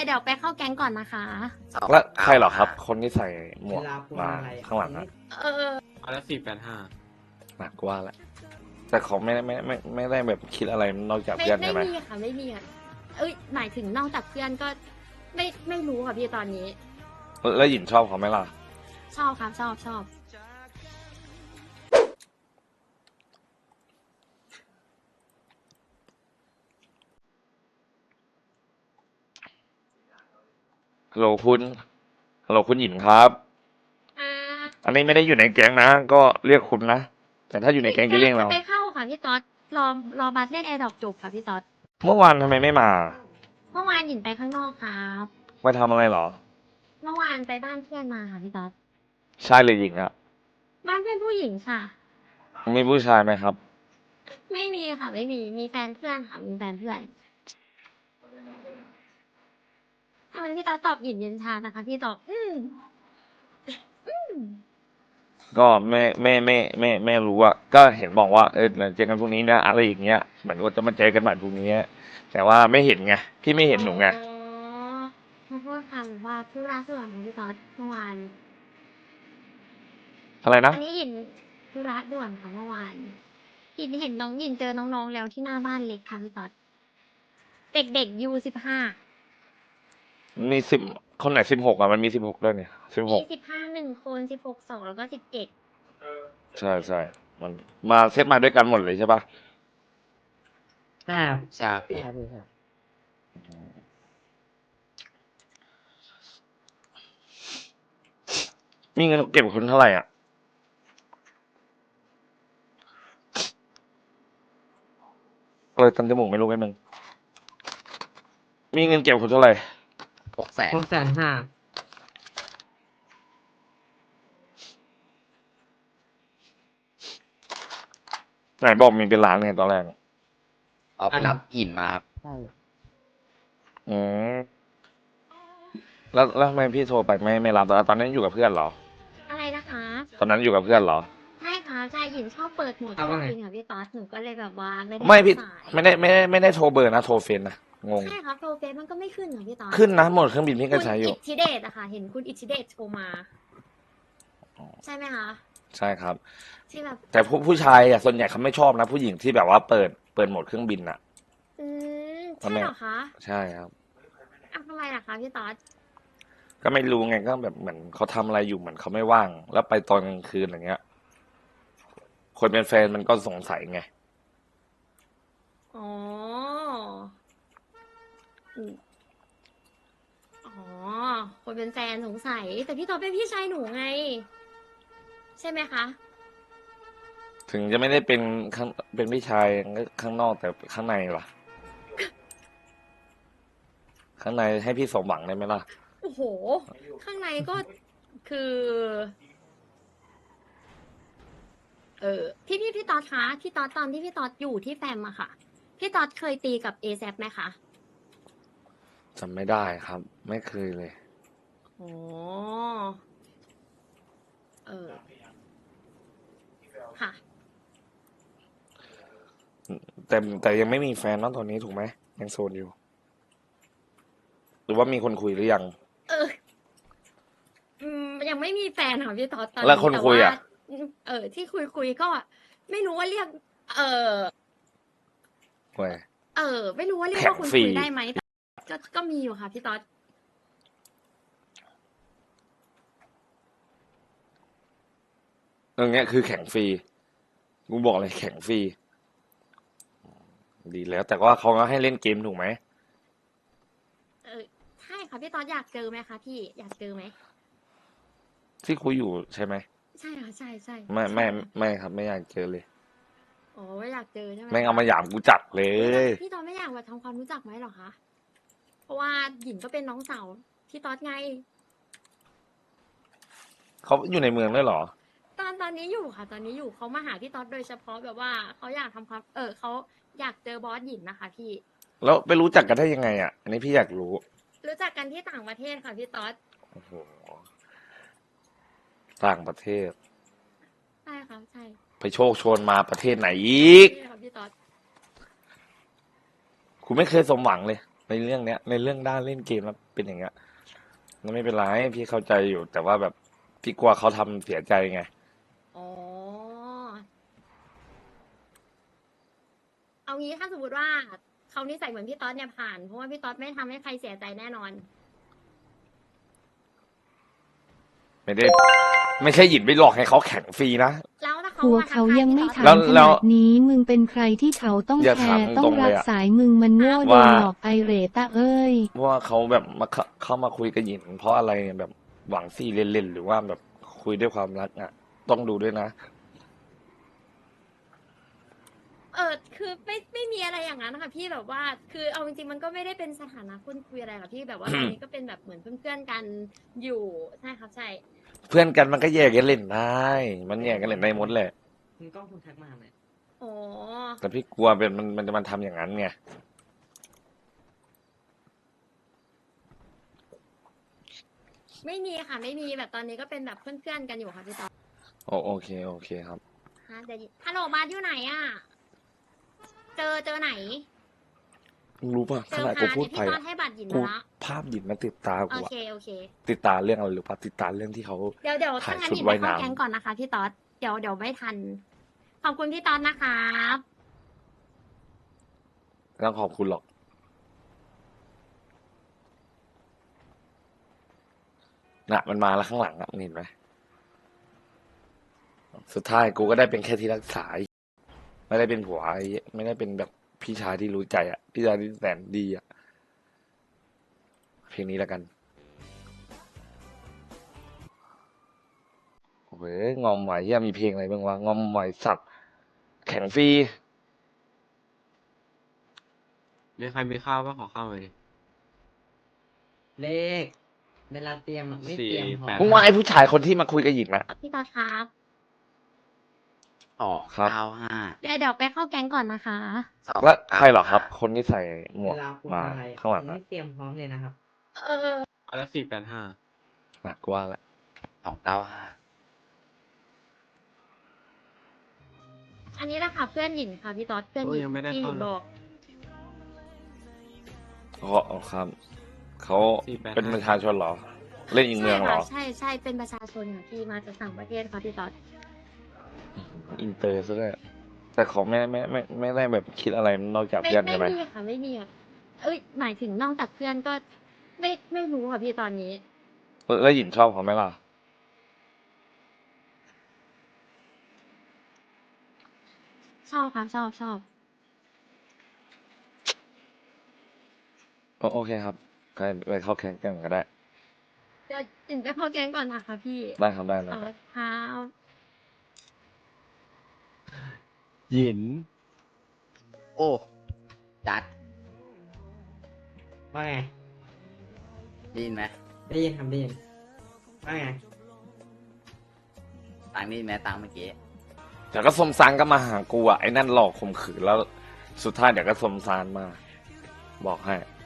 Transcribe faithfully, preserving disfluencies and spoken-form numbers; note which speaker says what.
Speaker 1: เดี๋ยวไปเข้าแก๊งก่อนนะคะ
Speaker 2: แล้วใครเหรอครับ คนที่ใส่หมวก
Speaker 3: เวลาพูด
Speaker 2: มา
Speaker 3: อะไรอะ
Speaker 2: ข้างหลังอะ
Speaker 1: เออ
Speaker 4: เอาละสี่แปดห้า
Speaker 2: หนักกว่าแหละแต่เขาไม่ได้ไม่ไม่ไม่ได้แบบคิดอะไรนอกจาก
Speaker 1: ไม่
Speaker 2: เพื่อน
Speaker 1: ไม่
Speaker 2: ใช่ไหม
Speaker 1: มีค่ะไม่มีค่ะเอ้ยหมายถึงนอกจากเพื่อนก็ไม่ไม่รู้ค่ะพี่ตอนนี้
Speaker 2: แล้วหยินชอบเขาไหมล่ะ
Speaker 1: ชอบครับชอบชอบ
Speaker 2: ฮัลโหลคุณฮัลโหลคุณหยินครับ
Speaker 1: อ่า
Speaker 2: อันนี้ไม่ได้อยู่ในแก๊งนะ ก็เรียกคุณนะ แต่ถ้าอยู่ในแก๊งจะเรียกเรา
Speaker 1: ไปเข้าค่ะพี่ต๊อดรอรอบัสเล่นแอร์ดรอปจบค่ะพี่ต๊อด
Speaker 2: เมื่อวานทำไมไม่มา
Speaker 1: เมื่อวานหยินไปข้างนอกครับ
Speaker 2: ไปทำอะไรเหรอ
Speaker 1: เมื่อวานไปบ้านเพื่อนมาค่ะพี่ต๊อด
Speaker 2: ชายหรือหญิงอะ
Speaker 1: บ้านเพื่อนผู้หญิงค่ะ
Speaker 2: มีผู้ชายไหมครับ
Speaker 1: ไม่มีค่ะไม่มีมีแฟนเพื่อนค่ะมีแฟนเพื่อนทำไมพี่ต๊อดตอบหยินเย็นชานะคะพี่ตอบอืมอืม
Speaker 2: ก็ไม่ไม่ไม่ไม่ไม่รู้อะก็เห็นบอกว่าเออเจอกันพรุ่งนี้นะอะไรอย่างเงี้ยเหมือนว่าจะมาเจอกันใหม่พรุ่งนี้แต่ว่าไม่เห็นไงพี่ไม่เห็นหนูไง
Speaker 1: อ๋อขอโทษค่ะแบบว่าธุระส่วนของพี่ต๊อดเมื่อวาน
Speaker 2: อะไรนะ
Speaker 1: อันนี้หยินธุระด่วนค่ะเมื่อวานหยินเห็นน้องหยินเจอน้องๆแล้วที่หน้าบ้านเล็กค่ะพี่ต๊อดเด็กๆยูสิบห้า
Speaker 2: มีสิบคนไหนสิบหกอะมันมีสิบหกด้วยเนี่ยสิบห
Speaker 1: มี
Speaker 2: ก
Speaker 1: สิบห้าหนึ่งคนสิบหกสองแล้วก็สิบเจ็ด
Speaker 2: ใช่ใช่มันมาเซตมาด้วยกันหมดเลยใช่ปะ
Speaker 3: ใช่ครับ
Speaker 4: ใช่พี่
Speaker 3: ใช่พี่ครับ
Speaker 2: มีเงินเก็บคนเท่าไหร่อ่ะเลยตันจมูกไม่รู้แป๊บนึงมีเงินเก็บคนเท่าไหร่
Speaker 4: หกแสน
Speaker 3: หกแสนห้า
Speaker 2: ไหนบอกมีเป็นล้านไงตอนแรก
Speaker 4: เอาไปรับหินมาครับ
Speaker 3: ใช่
Speaker 2: อืมแล้วแล้วทำไมพี่โทรไปไม่ไม่รับตอนนั้นอยู่กับเพื่อนเหรอ
Speaker 1: อะไรนะคะ
Speaker 2: ตอนนั้นอยู่กับเพื่อนเหรอ
Speaker 1: ใช่ค่ะใช่หยินชอบเปิดโหมดจริงค่ะพี่ต๊อดหนูก็เลยแบบว่าไม่ได้
Speaker 2: ไม่พี่
Speaker 1: รับสาย
Speaker 2: ไม่ได้ไม่ได้ไม่ได้โทรเบอร์นะโทรเฟนนะงง
Speaker 1: ใช่ครับโปรเฟสมันก็ไม่ขึ้นเหรอพี่ต๊อด
Speaker 2: ขึ้นนะหมดเครื่องบินพี่ก็ใช้อยู่
Speaker 1: คุณอิทธิเดชอะค่ะ เห็นคุณอิทธิเดชโทรมา ใช่ไหมคะ
Speaker 2: ใช่ครับ
Speaker 1: ที่แบบ
Speaker 2: แต่ผู้ผู้ชายอ่ะส่วนใหญ่เขาไม่ชอบนะ ผู้หญิงที่แบบว่าเปิดเปิดโหมดเครื่องบินอ่ะ
Speaker 1: อืม
Speaker 2: ทำ
Speaker 1: ใช่
Speaker 2: ไม
Speaker 1: เหรอคะ
Speaker 2: ใช่ครับ
Speaker 1: อ้าวทำไมล่ะคะพี่ต๊อด
Speaker 2: ก็ไม่รู้ไงก็แบบเหมือนเขาทำอะไรอยู่เหมือนเขาไม่ว่าง แล้วไปตอนกลางคืนอย่างเงี้ย คนเป็นแฟนมันก็สงสัยไง
Speaker 1: อ๋ออืมอ๋อ คนเป็นแฟนสงสัย แต่พี่ต๊อดเป็นพี่ชายหนูไง ใช่ไหมคะ
Speaker 2: ถึงจะไม่ได้เป็นข้างเป็นพี่ชายข้างนอกแต่ข้างในล่ะ ข้างในให้พี่สมหวังได้ไหมล่ะ
Speaker 1: โอ้โห ข้างในก็คือ เออพี่พี่พี่ต๊อดคะพี่ต๊อดตอนที่พี่ต๊อดอยู่ที่แฟมอะค่ะ พี่ต๊อดเคยตีกับเอแซไหมคะ
Speaker 2: จำไม่ได้ครับ ไม่เคยเลย
Speaker 1: โอ้เออ ค่ะ
Speaker 2: แต่แต่ยังไม่มีแฟนเนอะตอนนี้ถูกไหมยังโสดอยู่ หรือว่ามีคนคุยหรือยัง
Speaker 1: เออ อืมยังไม่มีแฟนค่ะพี่ต๊อดตอนนี้
Speaker 2: แล้วคนคุยอะ
Speaker 1: แต่ว่าเออ ที่คุยคุยก็ ไม่รู้ว่าเรียก เออ
Speaker 2: เว้ย
Speaker 1: เออ ไม่รู้ว่าเรียก
Speaker 2: แข่ง
Speaker 1: ว่าคน
Speaker 2: ฟรี
Speaker 1: คุยได้ไหมแต่ก็ก็มีอยู่ค่ะพี่ต๊อด
Speaker 2: เรื่องเนี้ยคือแข่งฟรีกูบอกเลยแข่งฟรีดีแล้ว แต่ว่าเขาก็ให้เล่นเกมถูกไหม
Speaker 1: เออใช่ค่ะพี่ต๊อดอยากเจอไหมคะพี่อยากเจอไหม
Speaker 2: ที่คุยอยู่ใช่ไหม
Speaker 1: ใช่ค่ะใช่ใช่
Speaker 2: ไม่ไม่
Speaker 1: ใช่ค่ะ
Speaker 2: ไม่ครับ ไม่อยากเจอเลย
Speaker 1: อ๋อไม่อยากเจอใช่ไหม
Speaker 2: แม่งเอา
Speaker 1: คะ
Speaker 2: มาหยามกูจัดเลย
Speaker 1: พี่ต๊อดไม่อยากมาทำความรู้จักไหมหรอคะ เพราะว่าหญิงก็เป็นน้องสาวพี่ต๊อดไง
Speaker 2: เขาอยู่ในเมืองด้วยเหรอ
Speaker 1: ตอนตอนนี้อยู่ค่ะ ตอนนี้อยู่เขามาหาพี่ต๊อดโดยเฉพาะแบบว่าเขาอยากทำความ เออเขาอยากเจอบอสหญิงนะคะ พี่
Speaker 2: แล้วไปรู้จักกันได้ยังไงอ่ะ อันนี้พี่อยากรู้
Speaker 1: รู้จักกันที่ต่างประเทศค่ะพี่ต๊อด
Speaker 2: โอ้โหต่างประเทศ
Speaker 1: ใช่ค่ะใช่
Speaker 2: ไปโชคโชนมาประเทศไหนอีก
Speaker 1: ใช่ค่ะพี่ต๊อด
Speaker 2: คุณไม่เคยสมหวังเลยในเรื่องเนี้ย ในเรื่องด้านเล่นเกมแล้วเป็นอย่างเงี้ยมันไม่เป็นไรพี่เข้าใจอยู่ แต่ว่าแบบพี่กลัวเขาทำเสียใจไง
Speaker 1: อ๋อ เอางี้ถ้าสมมติว่าเขานิสัยเหมือนพี่ต๊อดเนี่ยผ่าน เพราะว่าพี่ต๊อดไม่ทำให้ใครเสียใจแน่นอน
Speaker 2: ไม่ได้ ไม่ใช่หยินไปหลอกให้เขาแข่งฟรีนะ
Speaker 1: แล้วถ้าเขา
Speaker 5: หัว
Speaker 1: มาทั
Speaker 5: เขา
Speaker 1: กทาย
Speaker 5: ยังไม่
Speaker 1: พี่
Speaker 5: ถา
Speaker 1: ต๊อ
Speaker 5: ม
Speaker 1: ด
Speaker 2: แล้ว
Speaker 5: ขนาดนี้มึงเป็นใครที่เขาต้อง
Speaker 2: อย่า
Speaker 5: แค
Speaker 2: ถาม
Speaker 5: ร์ต้อ
Speaker 2: ตรง งๆ
Speaker 5: รั
Speaker 2: เลย
Speaker 5: ก
Speaker 2: อะ
Speaker 5: สายมึงมันโง่โด
Speaker 2: ว่า
Speaker 5: นหลอกไอเหรตาเอ้ย
Speaker 2: ว่าเขาแบบมาเข้าเข้ามาคุยกับหยิน เพราะอะไรแบบหวังซี่เล่นๆหรือว่าแบบคุยด้วยความรักอ่ะ ต้องดูด้วยนะ
Speaker 1: เออคือไม่ไม่มีอะไรอย่างนั้นค่ะพี่แบบว่า คือเอาจริงๆมันก็ไม่ได้เป็นสถานะคนคุยอะไรค่ะพี่แบบว่าตอนนี้ก็เป็นแบบเหมือนเพื่อนๆกันอยู่ใช่ครับใช่
Speaker 2: เพื่อนกันมันก็แยกกันเล่นได้ มันแยกกันเล่นได้หมดแหละ
Speaker 3: คุณกล้องคุณทักมาไหม
Speaker 1: อ๋อ
Speaker 2: แต่พี่กลัวเป็นมันมันจะมันทำอย่างนั้นไง
Speaker 1: ไม่มีค่ะไม่มีแบบตอนนี้ก็เป็นแบบเพื่อนๆกันอยู่ค่ะพี่ต๊อด
Speaker 2: โอโอเคโอเคครับ
Speaker 1: ฮะเดี๋ยวฮัลโหลบาสอยู่ไหนอ่ะ เจอเจอไหน
Speaker 2: มึงรู้ป่ะ
Speaker 1: เจ
Speaker 2: ข
Speaker 1: อ
Speaker 2: นาด
Speaker 1: พา
Speaker 2: กูพูด
Speaker 1: เนี่ย
Speaker 2: ไป
Speaker 1: พี่ต๊อ
Speaker 2: อะ
Speaker 1: ดให้บัตรหยิน
Speaker 2: กู
Speaker 1: มาละ
Speaker 2: ภาพหยินมาติดตา
Speaker 1: โอ
Speaker 2: กูอะ
Speaker 1: เคโอเค
Speaker 2: ติดตาเรื่องอะไรหรือป่ะติดตาเรื่องที่เขา
Speaker 1: เดี๋ยวเดี๋ยว
Speaker 2: ถ่า
Speaker 1: ถ้าย งั้น
Speaker 2: ชุด
Speaker 1: หยินไป
Speaker 2: ว่าย
Speaker 1: เข้า
Speaker 2: น้ำ
Speaker 1: แก๊งก่อนนะคะพี่ต๊อดเดี๋ยวเดี๋ยวไม่ทัน ขอบคุณพี่ต๊อดนะครับ
Speaker 2: ไม่ต้องขอบคุณหรอกน่ะมันมาแล้วข้างหลังอะมึงเห็นไหมสุดท้ายกูก็ได้เป็นแค่ที่รักษาไอ้ไม่ได้เป็นผัวไอ้ไม่ได้เป็นแบบพี่ชายที่รู้ใจอะพี่ชายที่แสนดีอะเพลงนี้แล้วกันเว้ยงอมไหวเฮียมีเพลงอะไรบ้างวะงอมไหวสัตว์แข่งฟรี
Speaker 4: มีใครมีข้าวบ้างขอข้าวหน่อยดิ
Speaker 3: เลข เวลาเตรียมอะไม่
Speaker 4: สี่
Speaker 3: เตรียมพอ
Speaker 4: แปด
Speaker 2: มึงว่าไอ้ผู้ชายคนที่มาคุยกับหญิงนะ
Speaker 1: พี่ต๊อดครับ
Speaker 4: อ๋อ
Speaker 2: ครับ
Speaker 4: เก้าห้า
Speaker 1: เดี๋ยวเดี๋ยวไปเข้าแก๊งก่อนนะคะ
Speaker 4: สอง
Speaker 2: แล้วใครเหรอครับ คนที่ใส่หมว
Speaker 3: เว
Speaker 2: ก
Speaker 3: ลาคุณ
Speaker 2: มา
Speaker 3: อะไร
Speaker 2: ข้างหลัง
Speaker 3: ไม่
Speaker 2: อะ
Speaker 3: เตรียมพร้อมเลยนะครับ
Speaker 1: เออ
Speaker 4: อันละสี่แปดห้า
Speaker 2: หนักกว่าแหละ
Speaker 4: สองเก้าห้า
Speaker 1: อันนี้แหละค่ะเพื่อนหยินค่ะพี่ต๊อดเพื่อนห
Speaker 4: โอ้ย
Speaker 1: ยิน
Speaker 4: ยังไม่ได้
Speaker 1: ที่ห
Speaker 4: เข้า
Speaker 1: ยิน
Speaker 4: เลย
Speaker 1: บอก
Speaker 2: อ๋ออ๋อครับเขา
Speaker 4: สี่แปดห้า
Speaker 2: เป็นประชาชนเหรอ เล่นอีกเมืองเหรอ
Speaker 1: ใช่ค่ะใช่ใช่เป็นประชาชนค่ะที่มาจากต่างประเทศค่ะพี่ต๊อด
Speaker 2: อินเตอร์ซะด้วยแต่เขาไม่ไม่ไม่ไม่ได้แบบคิดอะไรนอกจาก
Speaker 1: ไม่
Speaker 2: เพื่อน
Speaker 1: ไม่
Speaker 2: ใช่ไหม
Speaker 1: มีค่ะไม่มีค่ะเอ้ยหมายถึงนอกจากเพื่อนก็ ไม่ไม่รู้ค่ะพี่ตอนนี้
Speaker 2: เออแล้วหญิงชอบเขาไหมล่ะ
Speaker 1: ชอบค่ะชอบชอบ
Speaker 2: โอโอเคครับใครไปเข้าแข่งกันก็ได้
Speaker 1: เดี๋ยวหยินไปเข้าแก๊งก่อนนะคะพี่
Speaker 2: ได้ครับได้นะ
Speaker 1: เออค่ะ
Speaker 4: หยินโอ้จัด
Speaker 3: ว่าไง
Speaker 4: ได้ยินไหม
Speaker 3: ได้ยินครับได้ยินว่าไง
Speaker 4: ตังค์ได้ยินไหมตังค์เมื่อกี้
Speaker 2: แต่ก็สมซานก็มาหากูอ่ะไอ้นั่นหลอกข่มขืนแล้ว สุดท้ายเดี๋ยวก็สมซานมา บอกให้